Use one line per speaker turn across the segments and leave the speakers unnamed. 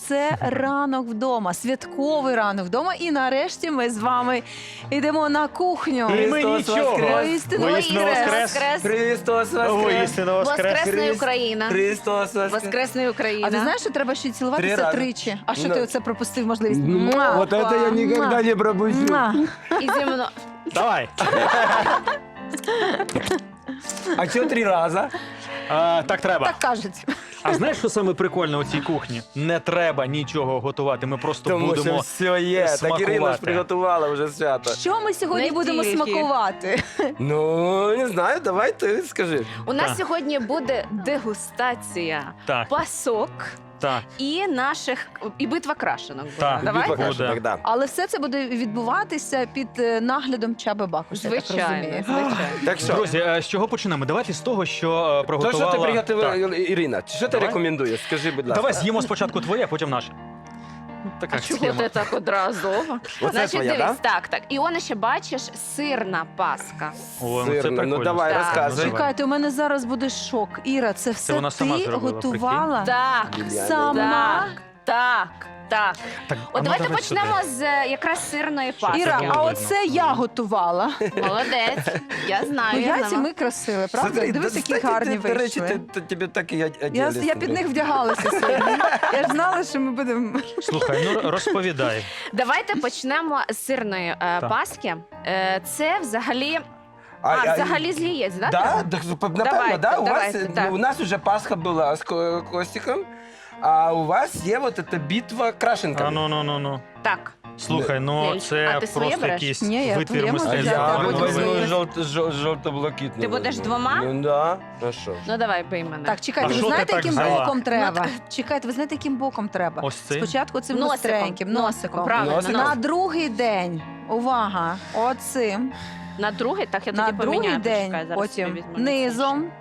це ранок вдома, святковий ранок вдома. І нарешті ми з вами йдемо на кухню.
І ми нічого.
Воістину
Воскрес!
Христос воскрес!
Воістину воскрес!
Воскресна Україна!
Христос воскрес!
Воскресна Україна!
А ти знаєш, що треба ще й
3
цілуватися
рази.
тричі? А що
Ну.
ти оце пропустив можливість?
Вот это я никогда не пропущу.
Муа.
І зі мною.
Давай.
А что 3 раза?
Так треба.
Так кажуть.
А знаєш, що саме прикольне у цій кухні? Не треба нічого готувати. Ми просто
Тому що
будемо
все є. Так
смакувати.
Ірина ж приготувала вже свято.
Що ми сьогодні
Не
будемо
тільки.
смакувати?
Ну, не знаю, давай ти скажи.
У нас
Так.
сьогодні буде дегустація
Так,
пасок
так.
і наших і битва крашенок. буде.
Так.
Давай.
Битва
буде.
крашенок, да.
Але все це буде відбуватися під наглядом Чаби Бакуша, я так
Звичайно,
розумію.
звичайно.
Так що?
Друзі, з чого почнемо? Давайте з того, що
То,
приготувала...
що ти приготувала,
Так.
Ірина, що ти
Давай.
рекомендуєш? Скажи, будь ласка.
Давай з'їмо спочатку твоє, а потім наше. Така
А чого
схема.
ти так одразу?
Оце
Значить,
твоя,
дивись,
да?
так. І он ще бачиш сирна паска.
О, ну це
Сирна,
прикольно.
ну давай,
Так.
розказуй.
Чекайте, у мене зараз буде шок. Іра, це все
вона сама
ти
зробила,
готувала?
Так,
Юліана.
Сама?
так. Так.
Так, а
От
ну,
давайте
давай
почнемо
сюди.
з якраз сирної паски.
Іра,
було
а
видно.
оце я готувала.
Молодець. Я знаю.
Ну,
я
яйці
знала.
ми красили, правда?
Смотри,
Дивись,
да,
які
кстати,
гарні
До речі,
вийшли.
тебе так і
Я
одягли.
під них вдягалася сьогодні. Я ж знала, що ми будемо...
Слухай, ну розповідай.
Давайте почнемо з сирної паски. Це взагалі... взагалі з яєць, да?
Да, напевно,
Давайте,
да? У вас,
давайте, так.
у нас уже Пасха була з Костиком, а у вас є от ця битва крашенками.
Ну.
Так.
Слухай, ну
Лель,
це
а ти своє
просто
береш?
якийсь
Ні, я
витвір
твоє можу
А
взяти,
мистецтва.
а
я
потім
возьму
своє.
жовто-блакитне.
Ти будеш
возьму.
двома?
Ну да, а що?
Ну давай, бий мене.
Так, чекайте,
А
ви
що ти
знаєте,
так
яким
взяла?
боком треба?
Ну,
Чекайте, ви знаєте, яким боком треба?
Ось цим?
Спочатку цим
Носиком,
гостреньким, носиком.
правильно.
Носиком?
На
носиком.
другий день, увага, оцим.
На другий, так я
На
тоді
другий
поміняю.
день,
Почекай, зараз
потім
собі візьму
низом.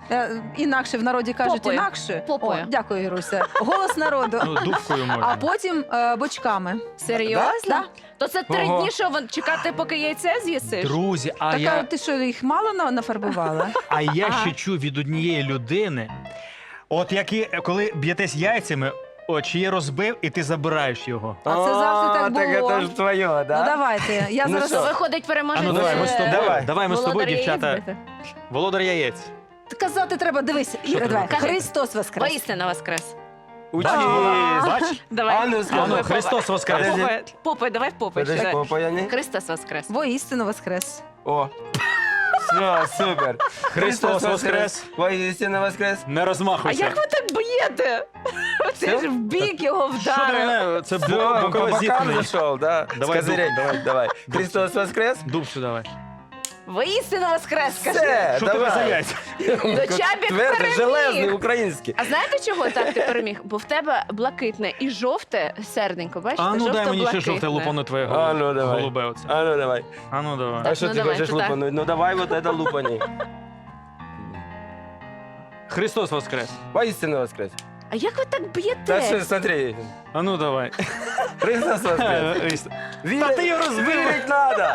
Інакше в народі кажуть
Попою.
інакше.
Попою.
О, дякую, Іруся. Голос народу.
Ну, дубкою можна.
А потім бочками.
Серйозно?
Да?
То це 3
Ого.
дні, що чекати, поки яйце з'їсиш?
Друзі, а
Така,
я,
ти що, їх мало нафарбувала?
ще чув від однієї людини, от коли б'єтесь яйцями, чиє розбив, і ти забираєш його.
А це завжди так
Так
було.
це ж твоє, да?
Ну давайте, я
Ну
зараз...
що?
Виходить, переможець.
А ну давай, ми з тобою. Давай ми з тобою,
володар яєць
дівчата.
бити.
Володар яєць.
Казати треба, дивись, Іра,
ти
давай.
кажеш?
Христос воскрес.
Воістина воскрес.
Учись.
Бач?
Давай.
А ну,
А ну,
скажи.
Христос воскрес.
Подожди.
Попой, давай в попой.
Подожди, попа я не.
Христос воскрес.
Воістину воскрес.
О. Все, супер.
Христос воскрес.
Воістина воскрес.
Не
А
розмахуйся.
як ви так б'єте? Ти ж в бік його
Що
вдарив.
мене? Це
Все,
бокове
по бокам
зіткнення.
зайшов, да?
Давай,
З козирей.
дуб,
Давай. Христос воскрес.
Дуб сюди давай.
Воістина воскрес, кажи.
Все,
Що тебе за
давай.
яйця?
Чабік
Твердий,
переміг.
железний, український.
А знаєте, чого так ти переміг? Бо в тебе блакитне і жовте серденько, бачите?
А ну дай мені ще
Жовто-блакитне.
жовте лупану твоє
А ну давай.
голубе оце.
А ну давай.
А ну давай.
А що
ну
ти
давай,
хочеш
то так.
лупануть? Ну давай вот это лупани.
Христос воскрес.
Воістину воскрес.
А як ви так
Та що,
б'єте?
смотри.
А ну давай.
Христос воскрес.
Та ти його розбив.
Вірить надо.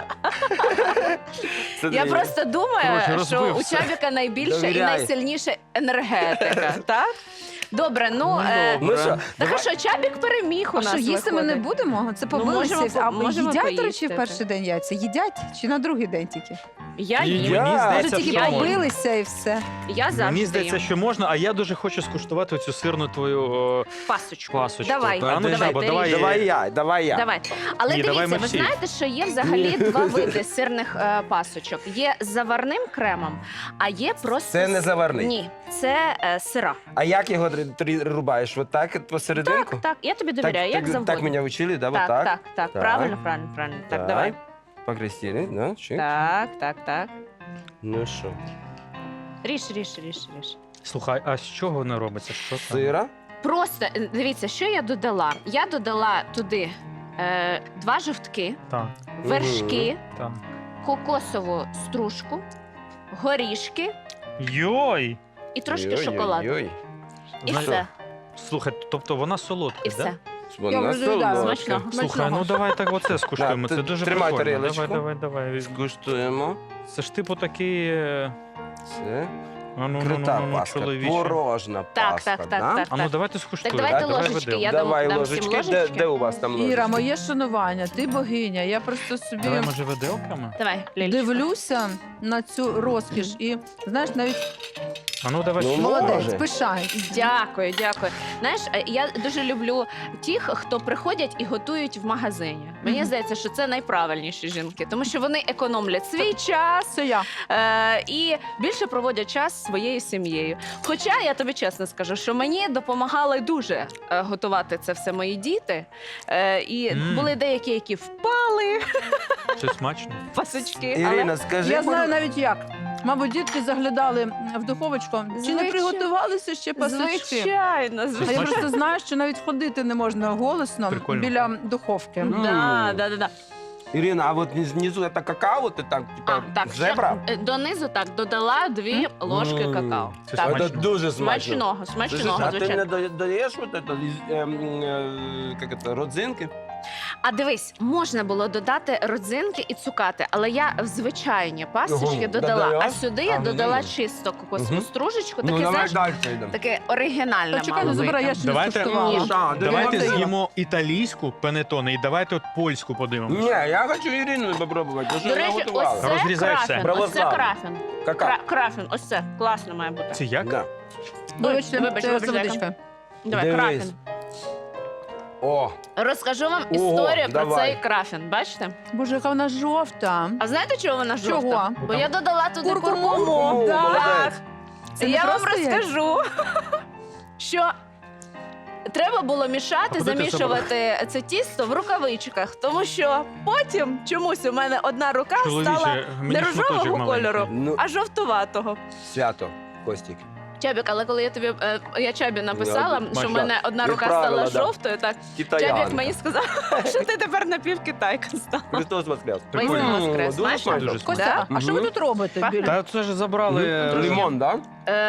Я просто думаю,
Коротше,
що
розбив
у
все.
Чабіка найбільша і
Довіряй.
найсильніша енергетика, так? Добре, ну...
Ну що,
Так а
давай.
що, Чабік переміг у
А
нас
що, їсти ми не
виходить.
будемо? Це
Ну,
побилися.
можемо
А
можемо
їдять, до речі,
поїсти,
в перший день яйця? Їдять чи на другий день тільки?
Я
Ні,
їм.
Я-
Мені
Може,
здається,
тільки
я
що
їм.
можна.
побилися і все.
Я завжди
Мені здається,
їм.
що можна, а я дуже хочу скуштувати цю сирну твою
Пасочку.
пасочку.
Давай,
А ну,
давай,
Жабо,
ти
давай.
ріж.
Давай я.
Давай. Але
Ні, давай
дивіться,
ми
ви
всі.
знаєте, що є взагалі 2 види сирних пасочок. Є з заварним кремом, а є просто...
Це не заварний.
Ні, це сира.
А як його рубаєш? Вот так посерединку?
Так, я тобі довіряю, як завгодно.
Так мене вчили, да? Вот
Так,
так?
так, так,
Так.
правильно. Так, давай.
Покрестили, да? Чик.
Так.
Ну що?
Ріж.
Слухай, а з чого не робиться? Що там?
Сира?
Просто, дивіться, що я додала? Я додала туди 2 жовтки,
Так,
вершки,
так.
кокосову стружку, горішки
Йой!
і трошки шоколаду.
Ой-ой-ой.
І
Знаєш,
все.
Слухай, тобто вона солодка,
І
да?
все.
Вона
вже доїдаю.
солодка.
Смачного.
Слухай, ну давай так оце скуштуємо.
Да,
Це
ти
дуже
тримай
прикольно.
тарілочку.
Давай.
Скуштуємо.
Це ж типу такий...
Це. Крута паска,
чоловіче.
порожна
Так,
паска,
так,
да?
так, так.
А ну давайте скуштуємо.
Так, давайте
Давай
ложечки,
виделку.
я
Давай
дам всім
ложечки.
ложечки.
Де у вас там ложечки?
Іра, моє шанування, ти богиня. Я просто собі
Давай, може, виделками?
Давай, Лілечка.
дивлюся на цю розкіш і, знаєш, навіть
А ну давай.
Ну,
ще.
може.
молодець, пишаюсь.
Дякую, дякую. Знаєш, я дуже люблю тих, хто приходять і готують в магазині. Мені
Мгм.
здається, що це найправильніші жінки, тому що вони економлять свій час
Це я.
і більше проводять час зі своєю сім'єю. Хоча я тобі чесно скажу, що мені допомагали дуже готувати це все мої діти. І були деякі, які впали
Це смачно.
пасочки.
Ірина, скажи,
Я знаю навіть як. Мабуть, дітки заглядали в духовочку. Чи не
Звичайно.
приготувалися ще пасочки?
Звичайно,
А я
звичайно.
просто знаю, що навіть ходити не можна голосно
Прикольно.
біля духовки.
Да.
Ірина, а от внизу це какао, ти так, типа,
Так,
зебра?
ще, донизу так додала 2 ложки какао.
Це
Так.
смачно.
Це дуже смачно.
Смачного,
А ти
звичайно.
не додаєш вот это, як це, родзинки?
А дивись, можна було додати родзинки і цукати, але я в звичайні пасочки
Ого,
додала,
додаєш?
а сюди я
А,
додала
ну,
чисто кокосову
Мгм.
стружечку,
Ну,
таке,
давай
знаєш,
далі йдемо.
таке оригінальне
Та чекай,
мало
не забирай, я
вийти.
ще не
Давайте-
скуштувала.
Ні.
Давайте
Дивіться.
з'їмо італійську панетоне і давайте от польську подивимося.
Ні, я хочу Ірину попробувати, тому що
До
вона
речі,
готувала.
ось це
Розрізай все.
крафін, ось це
Православний.
крафін.
Какао.
Крафін, ось це, класно має бути.
Це як?
Да.
Вибачте,
Вибач,
це
вибач,
водичка.
Давай,
Дивись.
крафін.
О,
Розкажу вам
Ого,
історію про
давай.
цей крафін, бачите?
Боже, яка вона жовта.
А знаєте, чого вона жовта?
Чого?
Бо я додала туди
Куркуму.
куркуму.
Так.
Так.
Це не
Я вам
просто яйця.
розкажу, що треба було мішати,
А куди ти
замішувати це тісто в рукавичках, тому що потім чомусь у мене одна рука стала
Чоловіче,
не
мені шматочок
рожевого
маленький.
кольору,
ну,
а жовтуватого.
свято, Костік.
Чабік, але коли я тобі я Чабі написала,
Ну,
що в
бачила.
мене одна рука
Відправила,
стала
да.
жовтою, так
Китаянка.
Чабік мені сказав, що ти тепер напівкитайка стала.
Христос воскрес.
Прикольно.
Воістину воскрес.
Дуже
Знаєш?
смачно.
Дуже смачно.
Костя, а що ви
Мгм.
тут робите?
Пахне?
біля?
Та це ж забрали.
Лимон, так?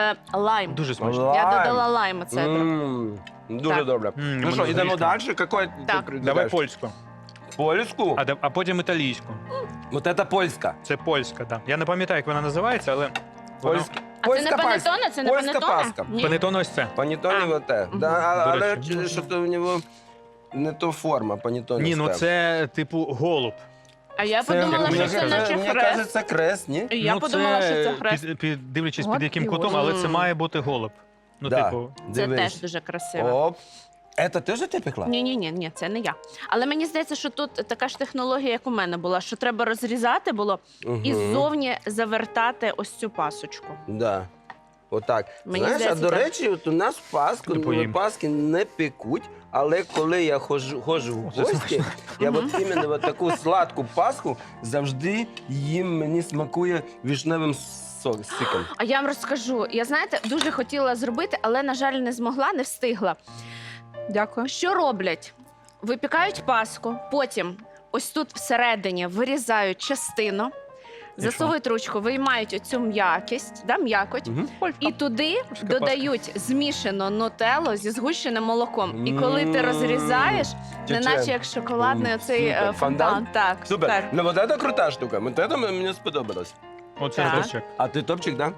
Лайм.
Дуже смачно.
Я
Лайм.
додала лайм цедру.
Дуже
Так.
добре.
М,
Ну що,
мене
йдемо
горішком.
далі? Какой ти
Так.
предлагаєш?
Давай польську.
Польську?
А потім італійську.
Вот это польська.
Це польська, так. Я не пам'ятаю, як вона називається, але вона-
Польська.
А це не панетоне? Це не
Польська
панетоне?
паска.
Ні.
панетоне ось це.
Панітоні
А.
вот те.
Мгм.
Да,
До
але
речі.
що то у нього не то форма, панітоні.
Ні, ну це типу голуб.
А я подумала,
як
що
мені
це
кажуть,
наче
Мені
хрест.
кажеться, крест, ні?
І я
Ну,
подумала, що це хрест.
Дивлячись
От
під яким
і
кутом,
от.
але це має бути голуб. Ну,
Да.
типу,
Це
Дивись.
теж дуже красиво.
Оп. Це теж ти пекла?
Ні, це не я. Але мені здається, що тут така ж технологія, як у мене була, що треба розрізати було і
Мгм.
ззовні завертати ось цю пасочку.
Да. Отак.
Мені
Знаєш, а
здається,
до
так.
речі, от у нас Пасху,
Не поїм.
Пасхи не пекуть, але коли я ходжу в
Це
гості, я
Мгм.
от іменно от таку сладку Пасху завжди їм мені смакує вишневим сиком.
А я вам розкажу. Я знаєте, дуже хотіла зробити, але на жаль, не змогла, не встигла.
Дякую.
Що роблять? Випікають паску, потім ось тут всередині вирізають частину, засовують ручку, виймають оцю м'якість, м'якоть,
Мгм.
і туди
Паска.
додають змішано нутелло зі згущеним молоком. І коли ти
М.
розрізаєш,
Тече.
неначе як шоколадний оцей
Супер.
фонтан.
Фонтан?
Так,
Супер.
так.
Ну, вот это крута штука. Вот это мені сподобалось.
оце
Так.
топчик.
А ти топчик, да?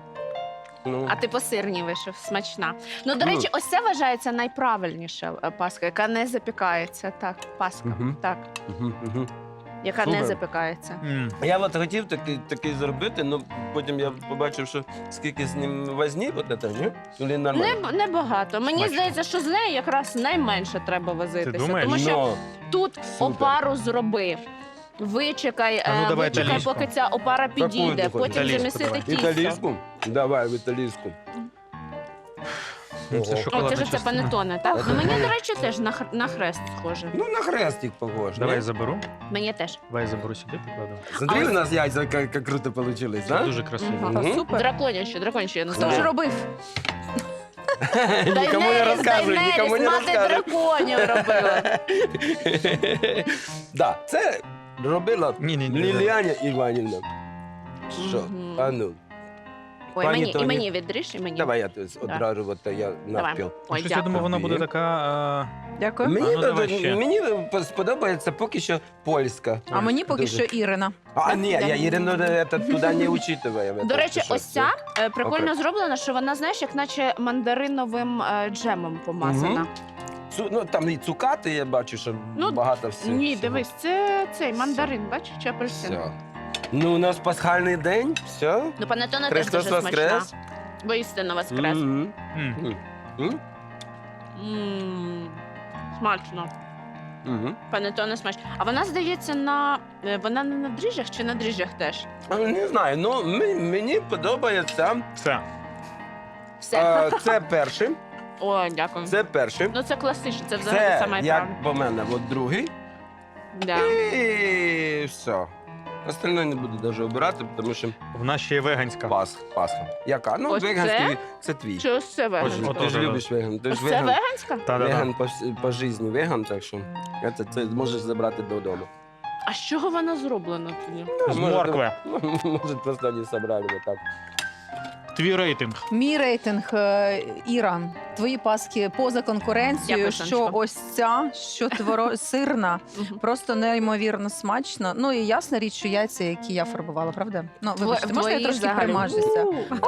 Ну.
А ти по сирній вийшов, смачна. Ну, до
Мм.
речі, ось це вважається найправильніша паска, яка не запікається. Так, паска,
Мгм.
так,
Мгм, мгм.
яка не
Супер.
запікається.
Я от хотів такий зробити, але потім я побачив, що скільки з ним возні, от це, ні? Или нормально?
Небагато. Мені
Смачно.
здається, що з нею якраз найменше треба возитися.
думаєш?
Тому що
Ну,
тут
Супер.
опару зроби. Вичекай,
А ну, давай
вичекай,
італійську.
поки ця опара
ти
підійде,
хочеш?
потім
Італійську
замісити
давай.
тісто.
італійську? Давай в італійську.
Ну, це
Ого.
О,
шоколадна
це ж це
частина.
панетоне, так?
Це
Ну мені,
моє.
до речі, теж на хрест схоже.
Ну, на хрестик похож.
Давай я
не?
заберу.
Мені теж.
Давай я заберу сюди, покладу.
Смотри,
А
у нас яйця як круто получились,
Це
да?
дуже красиво.
Мгм.
Та
Мгм.
супер.
Драконяче я
Хто
називаю.
ж робив?
Нікому не розказуй, нікому не
мати
розказуй.
драконів робила.
Да, це робила
Ні.
Ліліаня Іванівна. Що?
Мгм.
А ну.
Ой,
Пані
мені, і
Тоні.
мені відріж, і мені.
Давай я одразу, от я
Давай.
навпіл.
Ой,
Щось я думав,
дякую.
вона буде така.
Дякую.
Мені,
ну, давай ще.
мені сподобається поки що польська.
А мені поки
Дуже.
що Ірина.
А, ні, я Ірину туди не учитываю.
До речі,
Що?
ось ця прикольно
Окремо.
зроблена, що вона, знаєш, як наче мандариновим джемом помазана.
Ну, там і цукати, я бачу, що
Ну,
багато всього.
Ні, дивись, це цей мандарин, бачиш, чи апельсин.
Все. Ну, у нас пасхальний день, все.
Ну, панетона теж
Христос
дуже смачна.
воскрес.
Воістину воскрес.
Мгм.
М.
М?
Смачно.
Мгм.
Панетона смачно. А вона, здається, вона не на дріжджах чи на дріжджах теж?
Не знаю, ну мені подобається.
Все.
Все.
Це перший.
Ой, дякую.
Це перший.
Ну, це класично, це взагалі
Це
саме
як
правильно.
по мене, от другий.
Да.
І все. Остальне не буду навіть обирати, тому що
В нас ще є веганська.
Пасха. Яка? Ну,
Ось
веганський це твій.
Чи ось це веганська?
Ось
Ти ж
Ось
любиш веган. Ти
Ось
ж
це
веган.
веганська?
Та-да-да.
Веган по житті веган, так що це можеш забрати додому.
А з чого вона зроблена тоді?
З
Може,
моркви.
Може, просто не собрали вот так.
Твій рейтинг.
Мій рейтинг Іра. Твої паски поза конкуренцією.
Дякую,
Що
Сонечко.
ось ця, що сирна,
Мгм.
просто неймовірно смачно. Ну і ясна річ, що яйця, які я фарбувала, правда? Ну, вибачте, можна я
Твої
трошки
взагалі.
примажуся?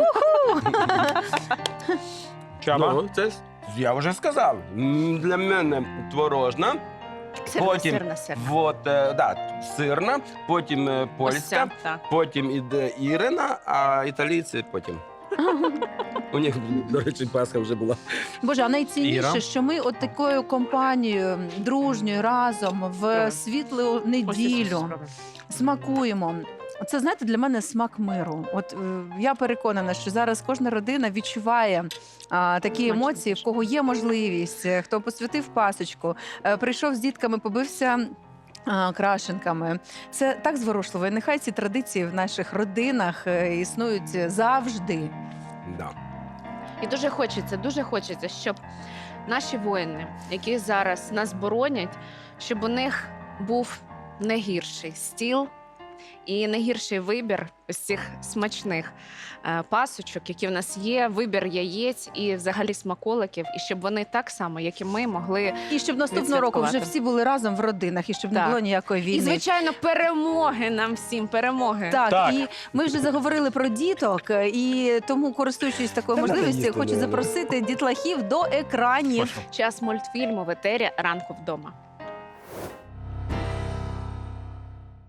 Чаба.
Ну, це я вже сказав. Для мене творожна,
Сирна,
Потім
сирна, сирна.
сирна, потім
Ось
польська,
ця, так.
потім іде Ірина, а італійці потім. У них, до речі, Пасха вже була.
Боже, а найцінніше,
Іра?
що ми от такою компанією дружньою разом в
Давай.
світлу
Ось, ось, ось,
неділю
спробуй.
смакуємо. Це, знаєте, для мене смак миру. От я переконана, що зараз кожна родина відчуває такі
Смачно,
емоції, в кого є можливість, хто посвятив пасочку, прийшов з дітками, побився. Крашенками. Це так зворушливо. І нехай ці традиції в наших родинах існують завжди.
Да.
І дуже хочеться, щоб наші воїни, які зараз нас боронять, щоб у них був не гірший стіл і не гірший вибір ось цих смачних пасочок, які в нас є, вибір яєць і взагалі смаколиків, і щоб вони так само, як і ми, могли.
І щоб наступного року вже
Відсвяткувати.
всі були разом в родинах, і щоб не
Так.
було ніякої війни.
І, звичайно, перемоги нам всім, перемоги.
Так,
Так.
і ми вже заговорили про діток, і тому, користуючись такою
Та надо
можливістю,
їсти,
хочу
наверно.
запросити дітлахів до екранів.
Точно.
Час мультфільму в етері «Ранку вдома».